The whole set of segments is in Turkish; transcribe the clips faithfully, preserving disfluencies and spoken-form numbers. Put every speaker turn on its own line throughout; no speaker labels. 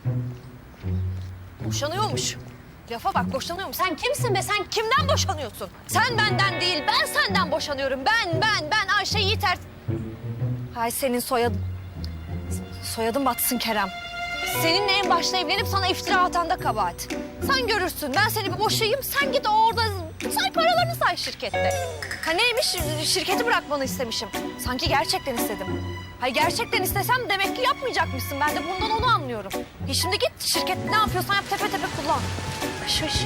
Boşanıyormuş. Lafa bak, boşanıyormuş. Sen kimsin be? Sen kimden boşanıyorsun? Sen benden değil, ben senden boşanıyorum. Ben, ben, ben Ayşe Yiğiter. Hay senin soyadın. Soyadın batsın Kerem. Seninle en başta evlenip sana iftira atan da kabahat. Sen görürsün. Ben seni bir boşayayım. Sen git orada say paralarını say şirkette. Ha neymiş? Şirketi bırakmanı istemişim. Sanki gerçekten istedim. Hayır gerçekten istesem demek ki yapmayacakmışsın. Ben de bundan onu anlıyorum. E şimdi git şirket ne yapıyorsan yap tepe tepe kullan. Şış.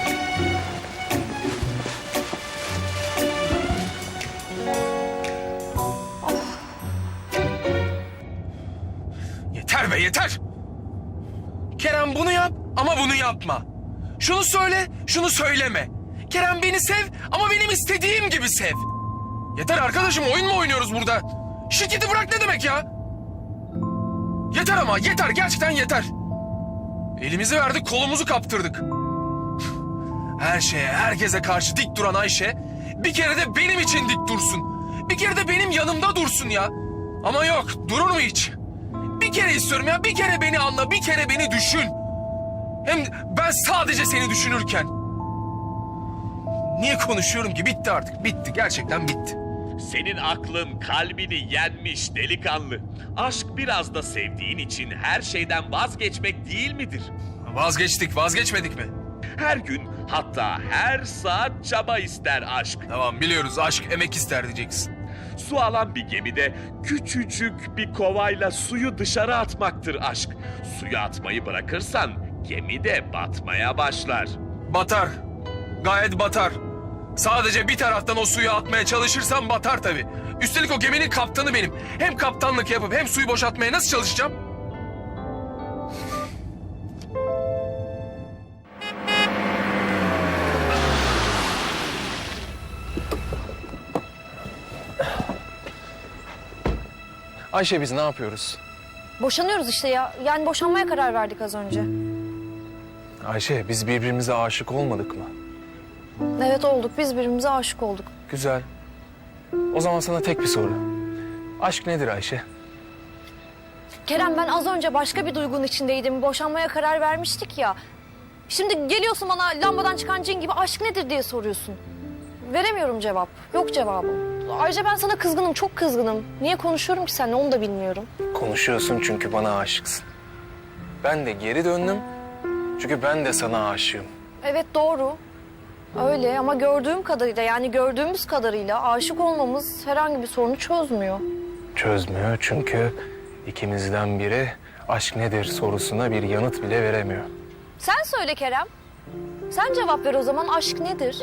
Yeter be yeter. Kerem bunu yap ama bunu yapma. Şunu söyle, şunu söyleme. Kerem beni sev ama benim istediğim gibi sev. Yeter arkadaşım, oyun mu oynuyoruz burada? Şirketi bırak ne demek ya? Yeter ama yeter, gerçekten yeter. Elimizi verdik, kolumuzu kaptırdık. Her şeye, herkese karşı dik duran Ayşe bir kere de benim için dik dursun. Bir kere de benim yanımda dursun ya. Ama yok, durur mu hiç? Bir kere istiyorum ya, bir kere beni anla, bir kere beni düşün. Hem ben sadece seni düşünürken. Niye konuşuyorum ki? Bitti artık, bitti. Gerçekten bitti.
Senin aklın kalbini yenmiş delikanlı. Aşk biraz da sevdiğin için her şeyden vazgeçmek değil midir?
Vazgeçtik, vazgeçmedik mi?
Her gün hatta her saat çaba ister aşk.
Tamam biliyoruz, aşk emek ister diyeceksin.
Su alan bir gemide küçücük bir kovayla suyu dışarı atmaktır aşk. Suyu atmayı bırakırsan gemi de batmaya başlar.
Batar, gayet batar. Sadece bir taraftan o suyu atmaya çalışırsam batar tabii. Üstelik o geminin kaptanı benim. Hem kaptanlık yapıp hem suyu boşaltmaya nasıl çalışacağım? Ayşe biz ne yapıyoruz?
Boşanıyoruz işte ya. Yani boşanmaya karar verdik az önce.
Ayşe biz birbirimize aşık olmadık mı?
Evet olduk. Biz birbirimize aşık olduk.
Güzel. O zaman sana tek bir soru. Aşk nedir Ayşe?
Kerem ben az önce başka bir duygunun içindeydim. Boşanmaya karar vermiştik ya. Şimdi geliyorsun bana lambadan çıkan cin gibi aşk nedir diye soruyorsun. Veremiyorum cevap. Yok cevabım. Ayrıca ben sana kızgınım, çok kızgınım. Niye konuşuyorum ki seninle onu da bilmiyorum.
Konuşuyorsun çünkü bana aşıksın. Ben de geri döndüm çünkü ben de sana aşığım.
Evet doğru. Öyle ama gördüğüm kadarıyla yani gördüğümüz kadarıyla aşık olmamız herhangi bir sorunu çözmüyor.
Çözmüyor çünkü ikimizden biri aşk nedir sorusuna bir yanıt bile veremiyor.
Sen söyle Kerem. Sen cevap ver o zaman aşk nedir?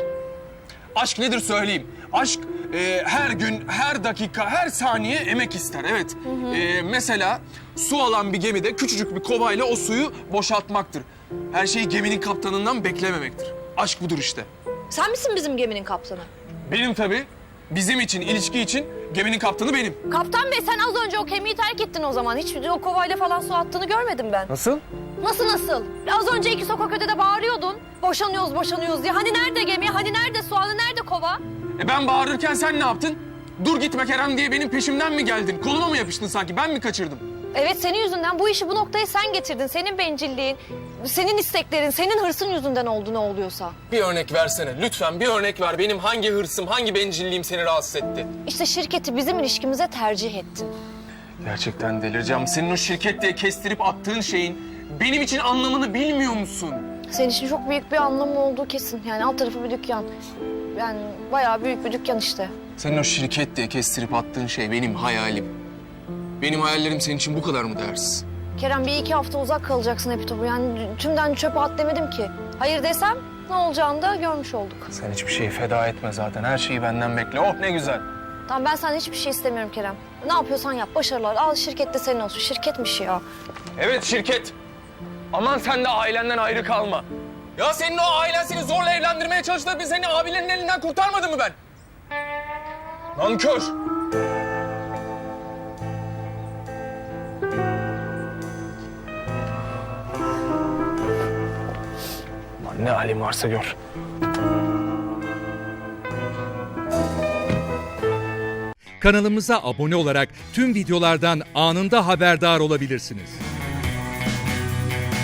Aşk nedir söyleyeyim. Aşk e, her gün, her dakika, her saniye emek ister. Evet. Hı hı. E, mesela su alan bir gemide küçücük bir kovayla o suyu boşaltmaktır. Her şeyi geminin kaptanından beklememektir. Aşk budur işte.
Sen misin bizim geminin kaptanı?
Benim tabii. Bizim için, ilişki için geminin kaptanı benim.
Kaptan bey sen az önce o gemiyi terk ettin o zaman. Hiç o kovayla falan su attığını görmedim ben.
Nasıl?
Nasıl nasıl? Az önce iki sokak ötede bağırıyordun. Boşanıyoruz boşanıyoruz diye. Hani nerede gemi, hani nerede su, hani nerede kova?
E ben bağırırken sen ne yaptın? Dur gitme Kerem diye benim peşimden mi geldin? Koluma mı yapıştın sanki? Ben mi kaçırdım?
Evet senin yüzünden bu işi bu noktaya sen getirdin. Senin bencilliğin, senin isteklerin, senin hırsın yüzünden oldu ne oluyorsa.
Bir örnek versene. Lütfen bir örnek ver. Benim hangi hırsım, hangi bencilliğim seni rahatsız etti?
İşte şirketi bizim ilişkimize tercih ettin.
Gerçekten delireceğim. Senin o şirket diye kestirip attığın şeyin benim için anlamını bilmiyor musun?
Senin için çok büyük bir anlamı olduğu kesin. Yani alt tarafı bir dükkan. Yani bayağı büyük bir dükkan işte.
Senin o şirket diye kestirip attığın şey benim hayalim. Benim hayallerim senin için bu kadar mı değersiz?
Kerem bir iki hafta uzak kalacaksın Epitop'u. Yani tümden çöpe at demedim ki. Hayır desem ne olacağını da görmüş olduk.
Sen hiçbir şeyi feda etme zaten. Her şeyi benden bekle. Oh ne güzel.
Tamam ben senden hiçbir şey istemiyorum Kerem. Ne yapıyorsan yap, başarılar. Al şirket de senin olsun. Şirketmiş ya.
Evet şirket. Aman sen de ailenden ayrı kalma. Ya senin o ailen seni zorla evlendirmeye çalıştı. Bir seni abilerin elinden kurtarmadı mı ben? Nankör. Aman ne halin varsa gör.
Kanalımıza abone olarak tüm videolardan anında haberdar olabilirsiniz.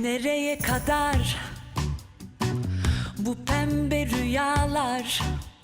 Nereye kadar bu pembe rüyalar?